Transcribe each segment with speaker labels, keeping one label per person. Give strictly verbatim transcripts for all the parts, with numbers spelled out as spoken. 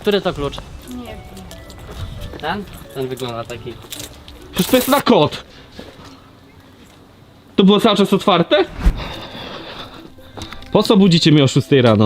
Speaker 1: Który to klucz?
Speaker 2: Nie wiem.
Speaker 1: Ten? Ten wygląda taki.
Speaker 3: Przecież to jest na kod. To było cały czas otwarte? Po co budzicie mnie o szóstej rano?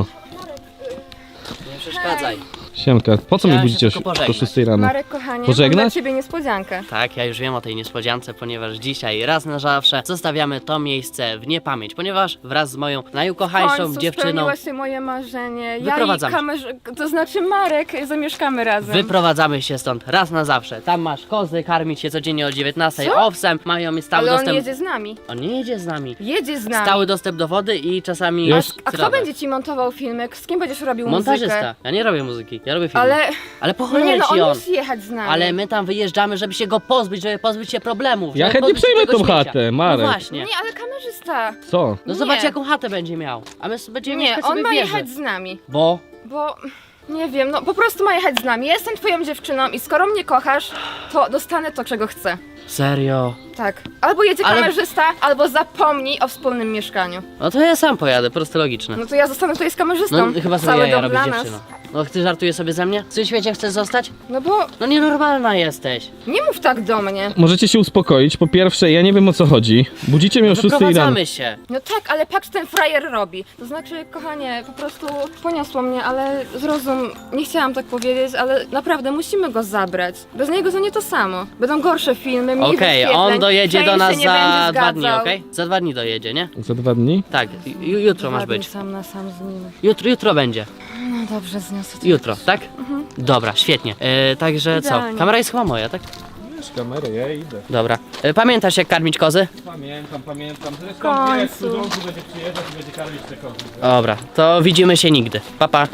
Speaker 1: Nie przeszkadzaj.
Speaker 3: Siemka, po co mnie
Speaker 1: Chciałem się
Speaker 3: budzicie o,
Speaker 1: tylko
Speaker 3: si- o
Speaker 1: pożegnać.
Speaker 3: szóstej rano?
Speaker 2: Marek, kochanie,
Speaker 3: Pożegnać?
Speaker 2: mam dla ciebie niespodziankę.
Speaker 1: Tak, ja już wiem o tej niespodziance, ponieważ dzisiaj raz na zawsze zostawiamy to miejsce w niepamięć, ponieważ wraz z moją
Speaker 2: W
Speaker 1: najukochańszą
Speaker 2: końcu
Speaker 1: dziewczyną
Speaker 2: spełniło się moje marzenie. Ja i
Speaker 1: Wyprowadzamy się.
Speaker 2: kamerz... to znaczy Marek, zamieszkamy razem.
Speaker 1: wyprowadzamy się stąd raz na zawsze. Tam masz kozy, karmić się codziennie o dziewiętnastej
Speaker 2: Co?
Speaker 1: owsem, mają mi stały
Speaker 2: Ale on
Speaker 1: dostęp...
Speaker 2: jedzie z nami.
Speaker 1: On nie jedzie z nami.
Speaker 2: Jedzie z nami.
Speaker 1: Stały dostęp do wody i czasami...
Speaker 3: Jest.
Speaker 2: A kto
Speaker 1: środek.
Speaker 2: będzie ci montował filmek? Z kim będziesz robił
Speaker 1: Montażysta.
Speaker 2: muzykę?
Speaker 1: Ja nie robię muzyki, ja robię film.
Speaker 2: Ale...
Speaker 1: Ale po
Speaker 2: Nie
Speaker 1: cholerę
Speaker 2: no,
Speaker 1: ci
Speaker 2: on
Speaker 1: on.
Speaker 2: musi jechać z nami.
Speaker 1: Ale my tam wyjeżdżamy, żeby się go pozbyć, żeby pozbyć się problemów.
Speaker 3: Ja
Speaker 1: żeby
Speaker 3: chętnie
Speaker 1: pozbyć się
Speaker 3: przejmę
Speaker 1: tego
Speaker 3: tą
Speaker 1: śmiecia.
Speaker 3: chatę, Marek.
Speaker 1: No właśnie.
Speaker 2: Nie, ale kamerzysta.
Speaker 3: Co?
Speaker 1: No
Speaker 2: Nie.
Speaker 1: zobacz jaką chatę będzie miał. A my s- będziemy
Speaker 2: Nie,
Speaker 1: mieszkać
Speaker 2: on
Speaker 1: sobie
Speaker 2: ma
Speaker 1: w wieży.
Speaker 2: jechać z nami.
Speaker 1: Bo...
Speaker 2: Bo... Nie wiem, no po prostu ma jechać z nami. Ja jestem twoją dziewczyną i skoro mnie kochasz, to dostanę to, czego chcę.
Speaker 1: Serio?
Speaker 2: Tak. Albo jedzie
Speaker 1: Ale-
Speaker 2: kamerzysta, albo zapomnij o wspólnym mieszkaniu.
Speaker 1: No to ja sam pojadę, proste logiczne.
Speaker 2: No to ja zostanę tutaj z kamerzystą.
Speaker 1: No chyba sobie
Speaker 2: Cały
Speaker 1: jaja
Speaker 2: dom
Speaker 1: robi
Speaker 2: dla
Speaker 1: dziewczyna.
Speaker 2: nas.
Speaker 1: No ty żartujesz sobie ze mnie? W tym świecie chcesz zostać?
Speaker 2: No bo
Speaker 1: No nienormalna jesteś.
Speaker 2: nie mów tak do mnie.
Speaker 3: Możecie się uspokoić. Po pierwsze, ja nie wiem o co chodzi. Budzicie mnie o szóstej rano.
Speaker 1: Wyprowadzamy się.
Speaker 2: No tak, ale patrz, ten frajer robi. To znaczy, kochanie, po prostu poniosło mnie, ale zrozum, nie chciałam tak powiedzieć, ale naprawdę musimy go zabrać. Bez niego to nie to samo. Będą gorsze filmy, mniej
Speaker 1: Okej,
Speaker 2: wyświetleń,
Speaker 1: on dojedzie
Speaker 2: Shane
Speaker 1: do nas
Speaker 2: się nie
Speaker 1: za
Speaker 2: będzie
Speaker 1: dwa dni,
Speaker 2: zgadzał.
Speaker 1: okej? Za dwa dni dojedzie, nie?
Speaker 3: Za dwa dni?
Speaker 1: Tak, ju- jutro masz
Speaker 2: Dwa dni
Speaker 1: być.
Speaker 2: sam na sam z nim.
Speaker 1: Jutro, jutro będzie.
Speaker 2: No dobrze, zniosę to.
Speaker 1: Jutro, tak? Dobra, świetnie. E, także co?
Speaker 2: Idealnie.
Speaker 1: Kamera jest chyba moja, tak?
Speaker 3: Wiesz, kamerę, ja idę.
Speaker 1: Dobra. E, pamiętasz jak karmić kozy?
Speaker 3: Pamiętam, pamiętam. Zresztą
Speaker 2: Końcu.
Speaker 3: wiesz, cudzący będzie przyjeżdżać i będzie karmić te kozy.
Speaker 1: Dobra, to widzimy się nigdy. Pa, pa.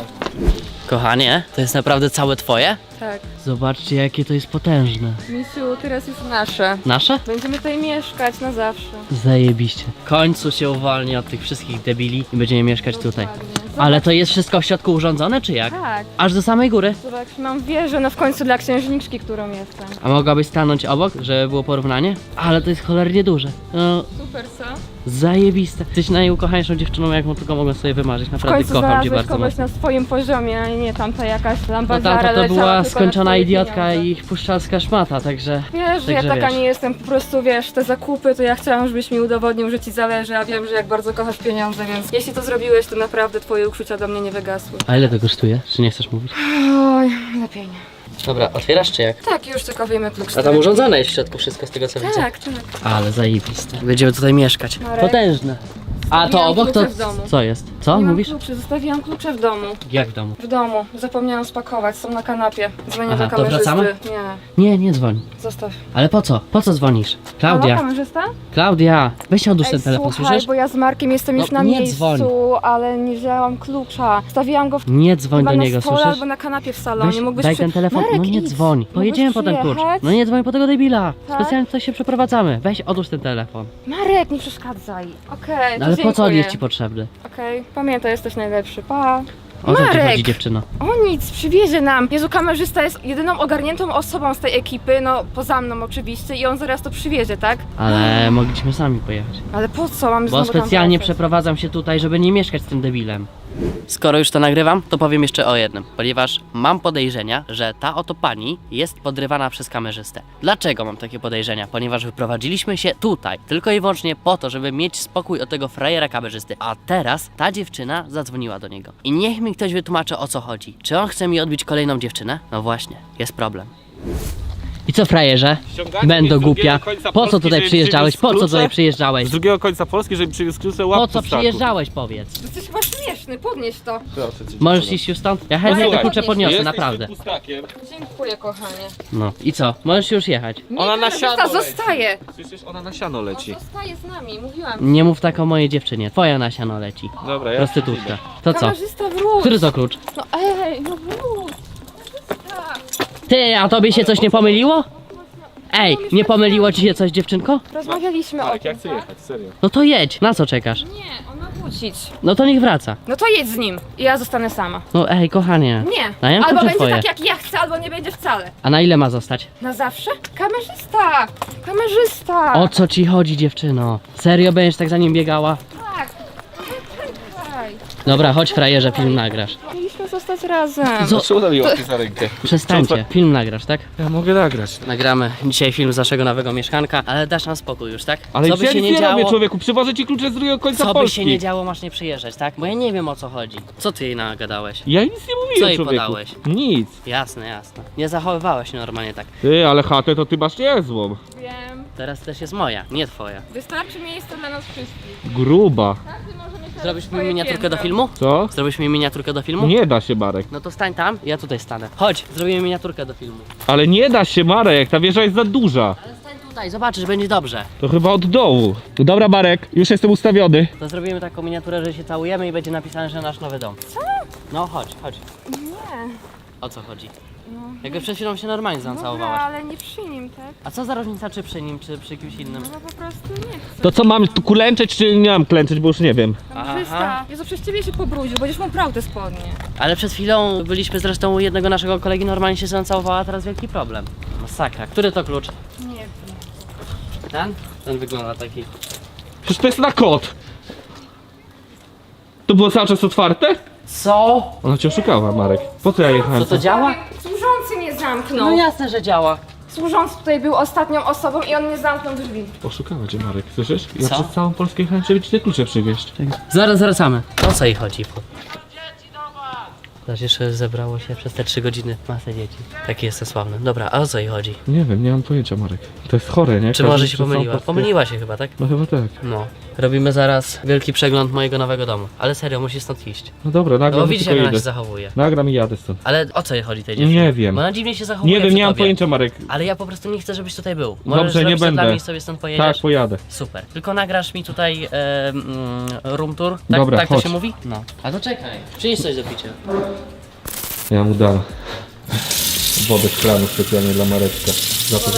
Speaker 1: Kochanie, to jest naprawdę całe twoje?
Speaker 2: Tak.
Speaker 1: Zobaczcie jakie to jest potężne.
Speaker 2: Misiu, teraz jest nasze.
Speaker 1: Nasze?
Speaker 2: Będziemy tutaj mieszkać na zawsze.
Speaker 1: Zajebiście. W końcu się uwolni od tych wszystkich debili i będziemy mieszkać tutaj.
Speaker 2: Dokładnie.
Speaker 1: Ale to jest wszystko w środku urządzone, czy jak?
Speaker 2: Tak.
Speaker 1: Aż do samej góry?
Speaker 2: Zobacz, mam wieżę, no w końcu dla księżniczki, którą jestem.
Speaker 1: A mogłabyś stanąć obok, żeby było porównanie? Ale to jest cholernie duże. No,
Speaker 2: Super, co?
Speaker 1: zajebiste. Jesteś najukochańszą dziewczyną, jaką tylko mogę sobie wymarzyć.
Speaker 2: W
Speaker 1: Naprawdę
Speaker 2: końcu
Speaker 1: kocham cię
Speaker 2: znalazłeś
Speaker 1: bardzo
Speaker 2: kogoś
Speaker 1: mocno.
Speaker 2: na swoim poziomie, a nie tamta jakaś
Speaker 1: No
Speaker 2: lambadziara
Speaker 1: tamta to
Speaker 2: leciała
Speaker 1: była
Speaker 2: tylko na
Speaker 1: skończona
Speaker 2: twoje
Speaker 1: idiotka
Speaker 2: pieniądze.
Speaker 1: i puszczalska szmata, także...
Speaker 2: Wiesz, że ja
Speaker 1: Także
Speaker 2: taka
Speaker 1: wiesz.
Speaker 2: nie jestem, po prostu wiesz, te zakupy, to ja chciałam, żebyś mi udowodnił, że ci zależy, a wiem, że jak bardzo kochasz pieniądze, więc jeśli to zrobiłeś, to naprawdę twoje uczucia do mnie nie wygasły.
Speaker 1: A ile to kosztuje? Czy nie chcesz mówić?
Speaker 2: Oj, lepiej nie.
Speaker 1: Dobra, otwierasz czy jak?
Speaker 2: Tak, już tylko wyjmę klucz.
Speaker 1: A tam urządzone jest w środku wszystko z tego co widzę.
Speaker 2: Tak, tak.
Speaker 1: Ale zajebiste. Będziemy tutaj mieszkać.
Speaker 2: Marek,
Speaker 1: Potężne. A to
Speaker 2: zostawiłam
Speaker 1: obok to...
Speaker 2: klucze w domu.
Speaker 1: Co jest? Co
Speaker 2: Nie mam
Speaker 1: mówisz?
Speaker 2: kluczy, zostawiłam klucze w domu.
Speaker 1: Jak w domu?
Speaker 2: W domu. Zapomniałam spakować, są na kanapie. Dzwonię
Speaker 1: Aha,
Speaker 2: do
Speaker 1: to
Speaker 2: kamerzysty.
Speaker 1: wracamy?
Speaker 2: Nie,
Speaker 1: Nie, nie dzwoń.
Speaker 2: zostaw.
Speaker 1: Ale po co? Po co dzwonisz?
Speaker 2: Halo,
Speaker 1: Klaudia,
Speaker 2: kamerzysta?
Speaker 1: Klaudia, weź odłóż
Speaker 2: Ej,
Speaker 1: ten telefon,
Speaker 2: słuchaj,
Speaker 1: słyszysz?
Speaker 2: bo ja z Markiem jestem
Speaker 1: No,
Speaker 2: już na
Speaker 1: nie
Speaker 2: miejscu,
Speaker 1: dzwoń.
Speaker 2: ale nie wzięłam klucza. Stawiłam go w
Speaker 1: Nie dzwoń
Speaker 2: chyba
Speaker 1: do
Speaker 2: na
Speaker 1: niego,
Speaker 2: stole
Speaker 1: słyszysz?
Speaker 2: albo na kanapie w salonie.
Speaker 1: Weź,
Speaker 2: Mógłbyś
Speaker 1: daj
Speaker 2: przy...
Speaker 1: ten telefon,
Speaker 2: Marek,
Speaker 1: no nie
Speaker 2: idź.
Speaker 1: dzwoń.
Speaker 2: Mógłbyś
Speaker 1: Pojedziemy po ten klucz.
Speaker 2: przyjechać?
Speaker 1: No nie dzwoń po tego debila.
Speaker 2: Tak?
Speaker 1: Specjalnie coś się przeprowadzamy. Weź odłóż ten telefon.
Speaker 2: Marek, nie przeszkadzaj. Okej,
Speaker 1: No
Speaker 2: to
Speaker 1: ale po co on
Speaker 2: dziękuję.
Speaker 1: jest ci potrzebny?
Speaker 2: Okej, pamiętaj, jesteś najlepszy. Pa.
Speaker 1: O co ci
Speaker 2: Marek!
Speaker 1: chodzi, dziewczyno?
Speaker 2: O nic, przywiezie nam. Jezu, kamerzysta jest jedyną ogarniętą osobą z tej ekipy, no poza mną oczywiście, i on zaraz to przywiezie, tak?
Speaker 1: Ale mogliśmy sami pojechać.
Speaker 2: Ale po co? Mamy
Speaker 1: Bo
Speaker 2: znowu tam
Speaker 1: specjalnie
Speaker 2: wracać?
Speaker 1: przeprowadzam się tutaj, żeby nie mieszkać z tym debilem. Skoro już to nagrywam, to powiem jeszcze o jednym, ponieważ mam podejrzenia, że ta oto pani jest podrywana przez kamerzystę. Dlaczego mam takie podejrzenia? Ponieważ wyprowadziliśmy się tutaj tylko i wyłącznie po to, żeby mieć spokój od tego frajera kamerzysty, a teraz ta dziewczyna zadzwoniła do niego. I niech mi ktoś wytłumaczy, o co chodzi. Czy on chce mi odbić kolejną dziewczynę? No właśnie, jest problem. I co, frajerze?
Speaker 3: Ściągacie
Speaker 1: Będę
Speaker 3: mnie z drugiego
Speaker 1: głupia.
Speaker 3: końca
Speaker 1: Po co
Speaker 3: Polski,
Speaker 1: tutaj
Speaker 3: żeby
Speaker 1: przyjeżdżałeś?
Speaker 3: przywiózł
Speaker 1: Po co
Speaker 3: klucze?
Speaker 1: tutaj przyjeżdżałeś?
Speaker 3: Z drugiego końca Polski, żeby przywiózł klucze łap
Speaker 1: Po co
Speaker 3: pustaku.
Speaker 1: przyjeżdżałeś, powiedz?
Speaker 2: Jesteś chyba śmieszny, podnieś to.
Speaker 3: Proszę cię,
Speaker 1: Możesz
Speaker 3: dziewczyno.
Speaker 1: iść już stąd? Ja chętnie te
Speaker 2: Słuchaj,
Speaker 1: klucze podniosę,
Speaker 3: Jesteś
Speaker 1: naprawdę.
Speaker 3: tym pustakiem.
Speaker 2: Dziękuję, kochanie.
Speaker 1: No i co? Możesz już jechać.
Speaker 2: Nie,
Speaker 3: Ona na
Speaker 2: kamerzysta
Speaker 3: siano leci.
Speaker 2: zostaje.
Speaker 3: Słyszysz, ona na siano
Speaker 2: On
Speaker 3: leci.
Speaker 2: zostaje z nami, mówiłam.
Speaker 1: Nie mów tak o mojej dziewczynie. Twoja na siano leci.
Speaker 3: Dobra, ja
Speaker 1: Prostytutka. To co?
Speaker 2: Kamerzysta, wróć.
Speaker 1: Który to klucz?
Speaker 2: No ej, no wróć. Kamerzysta.
Speaker 1: Ty, a tobie się coś nie pomyliło? Ej, nie pomyliło ci się coś, dziewczynko?
Speaker 2: Rozmawialiśmy o
Speaker 3: Marek,
Speaker 2: tym,
Speaker 3: ja chcę
Speaker 2: tak?
Speaker 3: jechać, serio.
Speaker 1: No to jedź, na co czekasz?
Speaker 2: Nie, on ma wrócić.
Speaker 1: No to niech wraca.
Speaker 2: No to jedź z nim i ja zostanę sama.
Speaker 1: No ej, kochanie.
Speaker 2: Nie,
Speaker 1: A ja
Speaker 2: albo
Speaker 1: klucze
Speaker 2: będzie
Speaker 1: twoje.
Speaker 2: tak jak ja chcę, albo nie będzie wcale.
Speaker 1: A na ile ma zostać?
Speaker 2: Na zawsze? Kamerzysta! Kamerzysta!
Speaker 1: O co ci chodzi, dziewczyno? Serio będziesz tak za nim biegała?
Speaker 2: Tak! Czekaj.
Speaker 1: Dobra, chodź frajerze, film nagrasz.
Speaker 2: Mieliśmy Powinniśmy zostać razem.
Speaker 1: Co?
Speaker 3: Czemu tam mi łapie za rękę?
Speaker 1: Przestańcie. Film nagrasz, tak?
Speaker 3: Ja mogę nagrać.
Speaker 1: Nagramy dzisiaj film z naszego nowego mieszkanka, ale dasz nam spokój już, tak?
Speaker 3: Ale
Speaker 1: co by
Speaker 3: ja
Speaker 1: się
Speaker 3: nic
Speaker 1: nie
Speaker 3: nie robię,
Speaker 1: działo,
Speaker 3: człowieku, przywożę ci klucze z drugiego końca
Speaker 1: co by
Speaker 3: Polski.
Speaker 1: się nie działo, masz nie przyjeżdżać, tak? Bo ja nie wiem, o co chodzi. Co ty jej nagadałeś?
Speaker 3: Ja nic nie mówiłem,
Speaker 1: Co jej
Speaker 3: człowieku.
Speaker 1: podałeś?
Speaker 3: Nic.
Speaker 1: Jasne, jasne. Nie zachowywałeś się normalnie tak.
Speaker 3: Ty, ale chatę to ty masz niezłą.
Speaker 2: Wiem.
Speaker 1: Teraz też jest moja, nie twoja.
Speaker 2: Wystarczy miejsca dla nas wszystkich.
Speaker 3: Gruba.
Speaker 2: Każdy może mieć
Speaker 1: Zrobisz mi
Speaker 2: swoje
Speaker 1: miniaturkę do
Speaker 2: piętro.
Speaker 1: filmu?
Speaker 3: Co?
Speaker 1: Zrobisz mi miniaturkę do filmu?
Speaker 3: Nie da się, Marek.
Speaker 1: No to stań tam, ja tutaj stanę. Chodź, zrobimy miniaturkę do filmu.
Speaker 3: Ale nie da się, Marek, ta wieża jest za duża.
Speaker 1: Ale stań tutaj, zobaczysz, będzie dobrze.
Speaker 3: To chyba od dołu. No dobra, Marek, już jestem ustawiony.
Speaker 1: To zrobimy taką miniaturę, że się całujemy i będzie napisane, że nasz nowy dom. Co? No chodź, chodź.
Speaker 2: Nie.
Speaker 1: O co chodzi?
Speaker 2: No.
Speaker 1: Jakby przed chwilą się normalnie
Speaker 2: Dobra,
Speaker 1: zacałowałaś.
Speaker 2: ale nie przy nim, tak?
Speaker 1: A co za różnica, czy przy nim, czy przy kimś innym?
Speaker 2: No po prostu nie chcę.
Speaker 3: To co, mam tu klęczeć, czy nie mam klęczeć, bo już nie wiem.
Speaker 2: Kamerzysta, Jezu, przez ciebie się pobrudził, będziesz mu prał te spodnie.
Speaker 1: Ale przed chwilą byliśmy zresztą u jednego naszego kolegi, normalnie się zacałowała, a teraz wielki problem. Masakra. Który to klucz?
Speaker 2: Nie wiem.
Speaker 1: Ten? Ten wygląda taki.
Speaker 3: Przecież to jest na kod. To było cały czas otwarte?
Speaker 1: Co?
Speaker 3: Ona cię oszukała, Marek. Po co ja jechałem?
Speaker 1: Co to działa?
Speaker 2: Służący mnie zamknął.
Speaker 1: No jasne, że działa.
Speaker 2: Służący tutaj był ostatnią osobą i on nie zamknął drzwi.
Speaker 3: Oszukała cię, Marek, słyszysz? Ja
Speaker 1: Co?
Speaker 3: przez całą Polskę jechałem, żeby ci te klucze przywieźć.
Speaker 1: Zaraz wracamy. O co jej chodzi? Zobacz, jeszcze zebrało się przez te trzy godziny masę dzieci. Taki jestem sławny. Dobra, a o co jej chodzi?
Speaker 3: Nie wiem, nie mam pojęcia, Marek. To jest chore, nie?
Speaker 1: Czy
Speaker 3: Każdy
Speaker 1: może się
Speaker 3: przez całą
Speaker 1: pomyliła?
Speaker 3: Polskę-
Speaker 1: Pomyliła się chyba, tak?
Speaker 3: No chyba tak.
Speaker 1: No. Robimy zaraz wielki przegląd mojego nowego domu. Ale serio, musisz stąd iść.
Speaker 3: No dobra,
Speaker 1: No
Speaker 3: nagram
Speaker 1: bo
Speaker 3: i
Speaker 1: widzisz,
Speaker 3: tylko
Speaker 1: jak ona się
Speaker 3: idę.
Speaker 1: zachowuje.
Speaker 3: Nagram i jadę stąd.
Speaker 1: Ale o co jej chodzi tej dziewczynie?
Speaker 3: Nie wiem.
Speaker 1: Bo ona dziwnie się zachowuje
Speaker 3: Nie wiem,
Speaker 1: przy
Speaker 3: nie mam
Speaker 1: tobie.
Speaker 3: pojęcia, Marek.
Speaker 1: Ale ja po prostu nie chcę, żebyś tutaj był. Możesz
Speaker 3: Dobrze, nie
Speaker 1: zrobić to
Speaker 3: będę.
Speaker 1: dla mnie i sobie stąd pojedziesz.
Speaker 3: Tak, pojadę.
Speaker 1: Super. Tylko nagrasz mi tutaj e, mm, room tour. Tak,
Speaker 3: Dobra,
Speaker 1: tak to
Speaker 3: chodź.
Speaker 1: się mówi? No. A to czekaj. Przynieś coś do picia.
Speaker 3: Ja mu dam wodę z kranu specjalnie dla Mareczka. Za to, że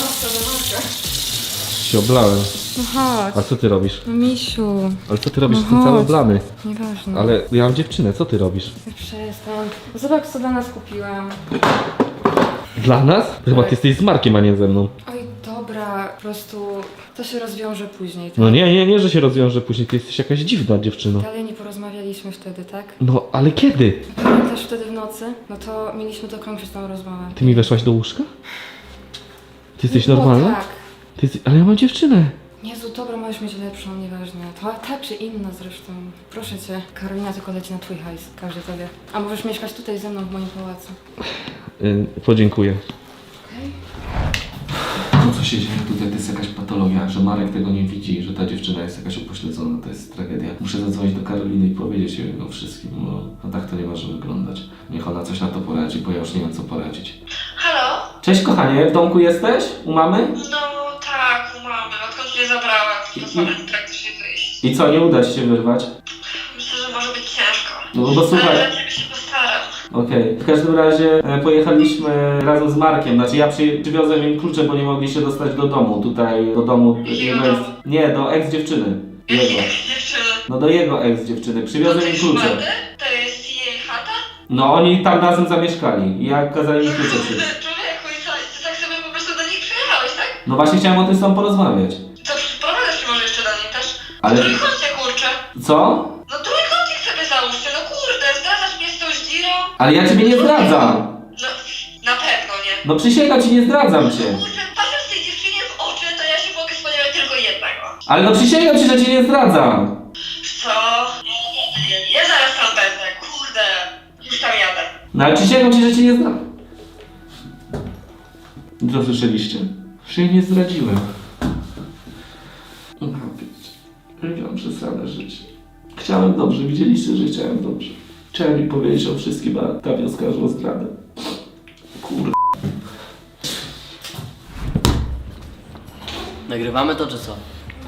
Speaker 3: się oblałem.
Speaker 2: No chodź.
Speaker 3: A co ty robisz?
Speaker 2: No misiu,
Speaker 3: Ale co ty robisz?
Speaker 2: No
Speaker 3: Jestem cały
Speaker 2: chodź.
Speaker 3: oblany.
Speaker 2: nieważne.
Speaker 3: Ale ja mam dziewczynę, co ty robisz?
Speaker 2: Przestań. Zobacz co dla nas kupiłam.
Speaker 3: Dla nas? Chyba ty jesteś z Markiem, a nie ze mną.
Speaker 2: Oj, dobra, po prostu to się rozwiąże później, tak?
Speaker 3: No nie, nie, nie, że się rozwiąże później. Ty jesteś jakaś dziwna dziewczyno.
Speaker 2: Ale nie porozmawialiśmy wtedy, tak?
Speaker 3: No, ale kiedy?
Speaker 2: Pamiętasz wtedy w nocy? No to mieliśmy dokończyć tą rozmowę.
Speaker 3: Ty mi weszłaś do łóżka? Ty jesteś
Speaker 2: No
Speaker 3: normalna?
Speaker 2: tak.
Speaker 3: Ty jesteś... Ale ja mam dziewczynę.
Speaker 2: Jezu, dobra, możesz mieć lepszą, nieważne. To ta czy inna zresztą. Proszę cię, Karolina tylko leci na twój hajs, każdy tobie. A możesz mieszkać tutaj ze mną w moim pałacu.
Speaker 3: Yy, podziękuję.
Speaker 2: Okej?
Speaker 4: To, co się dzieje tutaj, to jest jakaś patologia, że Marek tego nie widzi, że ta dziewczyna jest jakaś upośledzona, to jest tragedia. Muszę zadzwonić do Karoliny i powiedzieć jej o wszystkim, bo no tak to nie może wyglądać. Niech ona coś na to poradzi, bo ja już nie wiem, co poradzić.
Speaker 5: Halo?
Speaker 4: Cześć kochanie, w domku jesteś? U mamy?
Speaker 5: No tak, u mamy. Odkąd mnie zabrała, to samym praktycznie wyjść.
Speaker 4: I co, nie uda ci się wyrwać?
Speaker 5: Myślę, że może być ciężko.
Speaker 4: No bo słuchaj,
Speaker 5: Ale lepiej się postaram.
Speaker 4: okej. W każdym razie e, pojechaliśmy razem z Markiem, znaczy ja przy, przywiozłem im klucze, bo nie mogli się dostać do domu, tutaj do domu jego ex... Nie, do ex-dziewczyny. Jego.
Speaker 5: Dziewczyny.
Speaker 4: No do jego ex-dziewczyny,
Speaker 5: To
Speaker 4: przywiozłem im
Speaker 5: jest
Speaker 4: klucze.
Speaker 5: ładne? To jest jej chata?
Speaker 4: No oni tam razem zamieszkali i ja kazałem im klucze
Speaker 5: Kurde,
Speaker 4: przyjść.
Speaker 5: człowieku, i co? Ty tak sobie po prostu do nich przyjechałeś, tak?
Speaker 4: No właśnie chciałem o tym z tobą porozmawiać.
Speaker 5: Co, przyprowadzasz się może jeszcze do nich też?
Speaker 4: Ale-
Speaker 5: Trójkącie, kurczę.
Speaker 4: Co?
Speaker 5: No trójkącik sobie załóżcie, no kurde, zdradzasz mnie z tą zdzirą?
Speaker 4: Ale ja ciebie nie zdradzam!
Speaker 5: No, na pewno nie.
Speaker 4: No przysięgam ci, nie zdradzam cię.
Speaker 5: Kurczę, patrząc tej dziewczynie w oczy, to ja się mogę spodziewać tylko jednego.
Speaker 4: Ale no przysięgam ci, że cię nie zdradzam.
Speaker 5: Co? Ja, ja zaraz tam będę, kurde. Już tam jadę.
Speaker 4: No ale przysięgam ci, że cię nie zdradzam. Co słyszeliście? Że jej nie zdradziłem. No wiecie, ja mam przesrane życie. Chciałem dobrze, widzieliście, że chciałem dobrze. Chciałem mi powiedzieć o wszystkim, a ta wioska o zdradę. Kurde.
Speaker 1: Nagrywamy to czy co?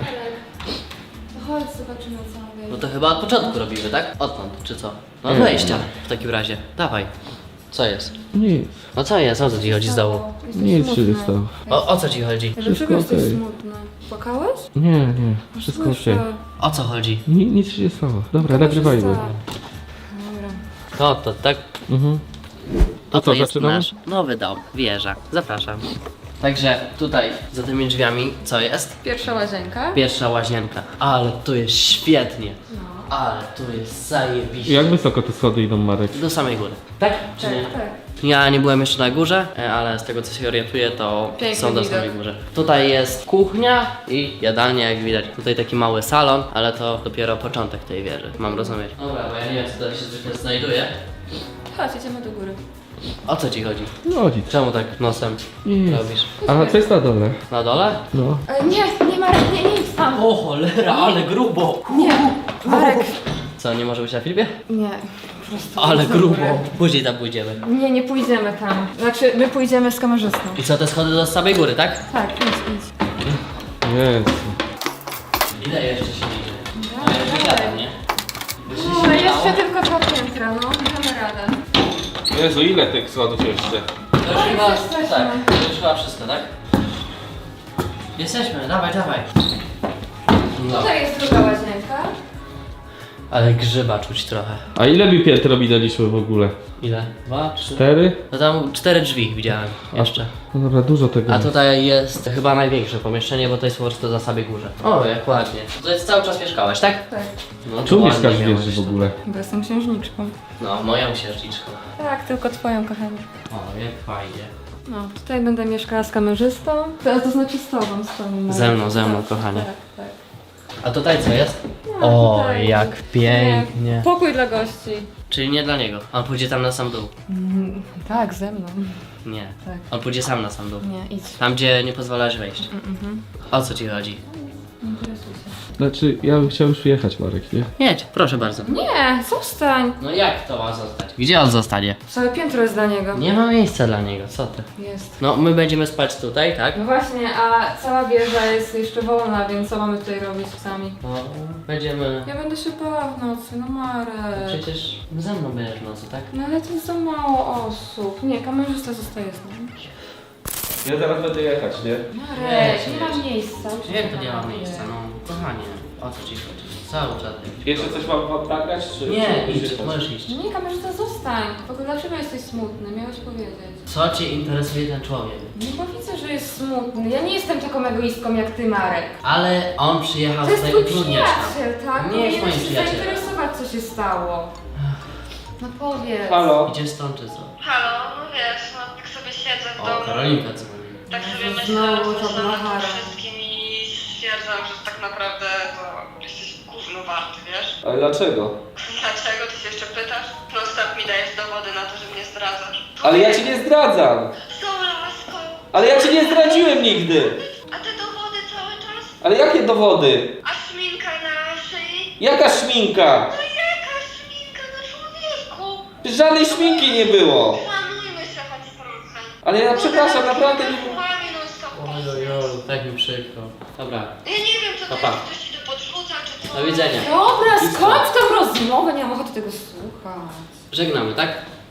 Speaker 2: To chodź, zobaczymy co mamy.
Speaker 1: No to chyba od początku robimy, tak? Odtąd, czy co? No od
Speaker 3: Nie.
Speaker 1: wejścia w takim razie. Dawaj. Co jest?
Speaker 3: Nic,
Speaker 1: No co jest? O co ci chodzi z dołu?
Speaker 3: nic się nie stało.
Speaker 1: O, o co ci chodzi?
Speaker 2: Dlaczego
Speaker 3: Wszystko
Speaker 2: jesteś
Speaker 3: okej.
Speaker 2: smutny? Płakałeś?
Speaker 3: Nie, nie, wszystko okej.
Speaker 2: Słyszę.
Speaker 1: O co chodzi?
Speaker 3: Ni- Nic się nie stało. Dobra,
Speaker 2: To
Speaker 3: nagrywajmy.
Speaker 2: może tak. Dobra.
Speaker 1: To, to, tak?
Speaker 3: Mhm.
Speaker 1: To,
Speaker 3: To co,
Speaker 1: jest
Speaker 3: zaczynamy?
Speaker 1: nasz nowy dom, wieża. Zapraszam. Także tutaj, za tymi drzwiami, co jest?
Speaker 2: Pierwsza łazienka.
Speaker 1: Pierwsza łazienka. Ale tu jest świetnie.
Speaker 2: No.
Speaker 1: ale tu jest zajebiście.
Speaker 3: Jak wysoko te schody idą, Marek?
Speaker 1: Do samej góry. Tak? Czy nie?
Speaker 2: Tak, tak.
Speaker 1: Ja nie byłem jeszcze na górze, e, ale z tego co się orientuję, to
Speaker 2: Piękny
Speaker 1: są do
Speaker 2: widok.
Speaker 1: samej górze. Tutaj jest kuchnia i jadalnia, jak widać. Tutaj taki mały salon, ale to dopiero początek tej wieży, mam rozumieć. Dobra, bo ja nie wiem, co tutaj się zwykle znajduje.
Speaker 2: Chodź, idziemy do góry.
Speaker 1: O co ci chodzi?
Speaker 3: No nic.
Speaker 1: Czemu tak nosem
Speaker 3: Nic.
Speaker 1: robisz?
Speaker 3: A co jest na dole?
Speaker 1: Na dole?
Speaker 3: No.
Speaker 2: E, nie, nie Marek, nie, nie idź tam.
Speaker 1: O cholera, ale grubo!
Speaker 2: Nie, Marek.
Speaker 1: Co, nie może być na filmie?
Speaker 2: Nie, po prostu.
Speaker 1: Ale
Speaker 2: idź na
Speaker 1: grubo.
Speaker 2: górę.
Speaker 1: Później tam pójdziemy.
Speaker 2: Nie, nie pójdziemy tam. Znaczy, my pójdziemy z kamerzystą.
Speaker 1: I co, te schody do samej góry, tak?
Speaker 2: Tak, idź, idź.
Speaker 3: Jezu.
Speaker 1: Ile jeszcze się idzie?
Speaker 2: Dawaj,
Speaker 1: Ja już
Speaker 2: dawaj.
Speaker 1: wysiadam, nie?
Speaker 2: No, jeszcze tylko dwa piętra, no, damy radę.
Speaker 3: Jezu, ile tych schodów jeszcze?
Speaker 1: To już chyba,
Speaker 2: jesteśmy.
Speaker 1: tak, to już chyba wszystko, tak? Jesteśmy, dawaj, dawaj. No.
Speaker 2: Tutaj jest druga łazienka.
Speaker 1: Ale grzyba czuć trochę.
Speaker 3: A ile mi piętro minęliśmy w ogóle?
Speaker 1: Ile? Dwa, trzy?
Speaker 3: Cztery?
Speaker 1: No tam cztery drzwi widziałem jeszcze.
Speaker 3: No dobra, dużo tego.
Speaker 1: A tutaj jest chyba największe pomieszczenie, bo to jest po prostu za samej górze. O, jak ładnie. To jest cały czas mieszkałeś, tak?
Speaker 2: Tak,
Speaker 1: No,
Speaker 3: Tu
Speaker 1: to
Speaker 3: mieszkasz
Speaker 1: ładnie
Speaker 3: w
Speaker 1: miałeś
Speaker 3: wieży w
Speaker 1: to.
Speaker 3: ogóle.
Speaker 2: bo jestem księżniczką.
Speaker 1: No, moją księżniczką.
Speaker 2: Tak, tylko twoją, kochanie.
Speaker 1: O, jak fajnie.
Speaker 2: No, tutaj będę mieszkała z kamerzystą. To, to znaczy z tobą, z tobą. Marek.
Speaker 1: Ze mną, ze mną,
Speaker 2: Tak,
Speaker 1: kochanie.
Speaker 2: Tak, tak.
Speaker 1: A tutaj co jest?
Speaker 2: No,
Speaker 1: O,
Speaker 2: tutaj-
Speaker 1: jak pięknie.
Speaker 2: Pokój dla gości.
Speaker 1: Czyli nie dla niego. On pójdzie tam na sam dół.
Speaker 2: Mm, tak, ze mną.
Speaker 1: Nie.
Speaker 2: Tak.
Speaker 1: On pójdzie sam na sam dół.
Speaker 2: Nie, idź.
Speaker 1: Tam, gdzie nie pozwalasz wejść.
Speaker 2: Mhm.
Speaker 1: O co ci chodzi?
Speaker 2: Interesuj się.
Speaker 3: Znaczy, ja bym chciał już jechać, Marek, nie?
Speaker 1: Jedź, proszę bardzo.
Speaker 2: Nie, zostań.
Speaker 1: No jak to ma zostać? Gdzie on zostanie?
Speaker 2: Całe piętro jest dla niego.
Speaker 1: Nie ma miejsca dla niego, co ty?
Speaker 2: Jest.
Speaker 1: No, my będziemy spać tutaj, tak?
Speaker 2: No właśnie, a cała wieża jest jeszcze wolna, więc co mamy tutaj robić sami?
Speaker 1: No, będziemy...
Speaker 2: Ja będę się bała w nocy, no Marek.
Speaker 1: Przecież ze mną będziesz w nocy, tak?
Speaker 2: No ale to jest za mało osób. Nie, kamerzysta zostaje z nami.
Speaker 3: Ja zaraz będę jechać, nie?
Speaker 2: Marek, nie ma miejsca.
Speaker 1: Jak to nie ma miejsca? No, kochanie, o co ci chodzi? Cały czas jakiś
Speaker 3: Jeszcze coś mam wam nagrać, czy...
Speaker 1: Nie,
Speaker 3: czy
Speaker 1: idź,
Speaker 3: jechać?
Speaker 1: możesz iść.
Speaker 2: No nie, kamerzysta, zostań. W ogóle dlaczego jesteś smutny? Miałeś powiedzieć.
Speaker 1: Co cię interesuje ten człowiek?
Speaker 2: Nie, bo widzę, że jest smutny. Ja nie jestem taką egoistką jak ty, Marek.
Speaker 1: Ale on przyjechał
Speaker 2: To jest
Speaker 1: tutaj
Speaker 2: twój
Speaker 1: utrudniać nam.
Speaker 2: przyjaciel, tak?
Speaker 1: Nie jest
Speaker 2: Powinieneś
Speaker 1: moim
Speaker 2: się
Speaker 1: przyjacielem.
Speaker 2: zainteresować, co się stało. No powiedz.
Speaker 3: Halo?
Speaker 1: Idzie stąd czy co?
Speaker 5: Halo, no wiesz, no tak sobie siedzę w
Speaker 1: O,
Speaker 5: domu.
Speaker 1: Karolinka dzwoni.
Speaker 5: Tak sobie
Speaker 2: Jezu,
Speaker 5: myślę,
Speaker 2: znowu
Speaker 5: że
Speaker 2: to
Speaker 5: nad tym
Speaker 2: blachara.
Speaker 5: wszystkim i stwierdzam, że tak naprawdę to jesteś gówno warty, wiesz?
Speaker 3: Ale dlaczego?
Speaker 5: Dlaczego? Ty się jeszcze pytasz? No stop mi dajesz dowody na to, że mnie zdradzasz.
Speaker 3: Ale ja cię nie zdradzam!
Speaker 5: Z tą laską.
Speaker 3: Ale ja cię nie zdradziłem nigdy!
Speaker 5: A te dowody cały czas?
Speaker 3: Ale jakie dowody?
Speaker 5: A szminka na szyi?
Speaker 3: Jaka szminka?
Speaker 5: No jaka szminka na człowieku?
Speaker 3: Żadnej szminki nie było!
Speaker 5: Szanujmy się choć trochę.
Speaker 3: Ale ja przepraszam, naprawdę nie...
Speaker 5: Słami non stop
Speaker 1: Ojojo, tak mi przykro. Dobra,
Speaker 5: Ja nie wiem, co to
Speaker 1: Pa, pa.
Speaker 5: jest, ktoś ci to podrzuca, czy co?
Speaker 1: do widzenia.
Speaker 2: Dobra, skończ tą rozmowę, nie mam ochoty tego słuchać.
Speaker 1: Żegnamy, tak?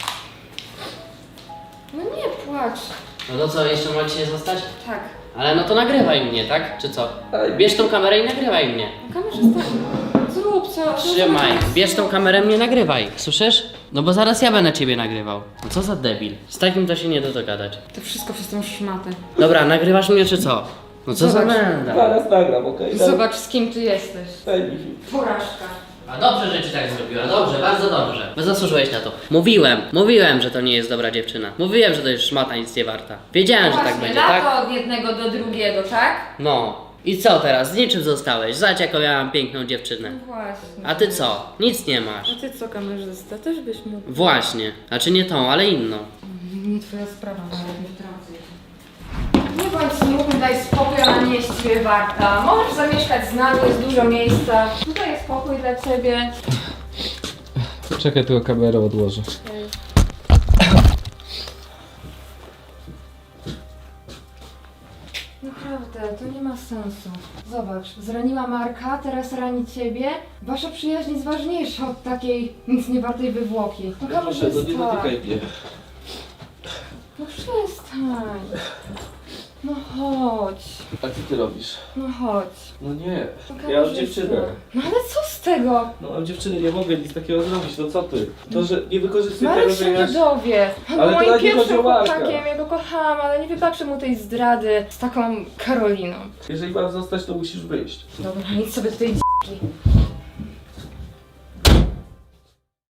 Speaker 2: No nie płacz.
Speaker 1: No to co, jeszcze macie zostać?
Speaker 2: Tak.
Speaker 1: Ale no to nagrywaj mnie, tak? Czy co? Bierz tą kamerę i nagrywaj mnie.
Speaker 2: Kamerzysta, zrób co.
Speaker 1: Trzymaj, bierz tą kamerę, mnie nagrywaj. Słyszysz? No bo zaraz ja będę ciebie nagrywał. No co za debil. Z takim to się nie da dogadać.
Speaker 2: To wszystko przez tą szmatę.
Speaker 1: Dobra, nagrywasz mnie czy co? No co za
Speaker 2: Zobacz.
Speaker 1: menda.
Speaker 3: Zaraz nagram, okej?
Speaker 2: Zobacz, z kim ty jesteś.
Speaker 3: Daj mi film.
Speaker 2: Porażka.
Speaker 1: A dobrze, że ci tak zrobiła, dobrze, bardzo dobrze. Bo zasłużyłeś na to. Mówiłem, mówiłem, że to nie jest dobra dziewczyna. Mówiłem, że to jest szmata nic nie warta. Wiedziałem, że tak
Speaker 2: Właśnie,
Speaker 1: będzie,
Speaker 2: lato
Speaker 1: tak?
Speaker 2: od jednego do drugiego, tak?
Speaker 1: No. I co teraz? Z niczym zostałeś. Zobacz, jaką ja mam piękną dziewczynę.
Speaker 2: No właśnie.
Speaker 1: A ty co? Nic nie masz.
Speaker 2: A ty co, kamerzysta? Też byś mógł.
Speaker 1: Właśnie. Znaczy nie tą, ale inną.
Speaker 2: Nie twoja sprawa, ale nie wtrącę się. Nie bądź smutny, daj spokój, ona nie jest ciebie warta. Możesz zamieszkać z nami, jest dużo miejsca. Tutaj jest pokój dla ciebie.
Speaker 3: Czekaj, tylko kamerę odłożę.
Speaker 2: Naprawdę, to nie ma sensu. Zobacz, zraniła Marka, teraz rani ciebie. Wasza przyjaźń jest ważniejsza od takiej nic nie wartej wywłoki. No kamerzysta.
Speaker 3: mnie.
Speaker 2: No przestań. No chodź.
Speaker 3: A co ty robisz?
Speaker 2: No chodź.
Speaker 3: No nie,
Speaker 2: No
Speaker 3: ja mam
Speaker 2: kamerzysta.
Speaker 3: dziewczynę.
Speaker 2: No ale co z tego?
Speaker 3: No mam dziewczynę, nie mogę nic takiego zrobić, no co ty? To, że nie wykorzystuj
Speaker 2: Marek
Speaker 3: tego,
Speaker 2: się
Speaker 3: że
Speaker 2: nie
Speaker 3: ja...
Speaker 2: dowie. On
Speaker 3: Ale
Speaker 2: był
Speaker 3: to
Speaker 2: moim
Speaker 3: nawet nie chodzi
Speaker 2: pierwszym
Speaker 3: o Marka.
Speaker 2: chłopakiem, ja go kochałam, ale nie wybaczę mu tej zdrady z taką Karoliną.
Speaker 3: Jeżeli mam zostać, to musisz wyjść.
Speaker 2: Dobra, nic sobie tutaj d***li.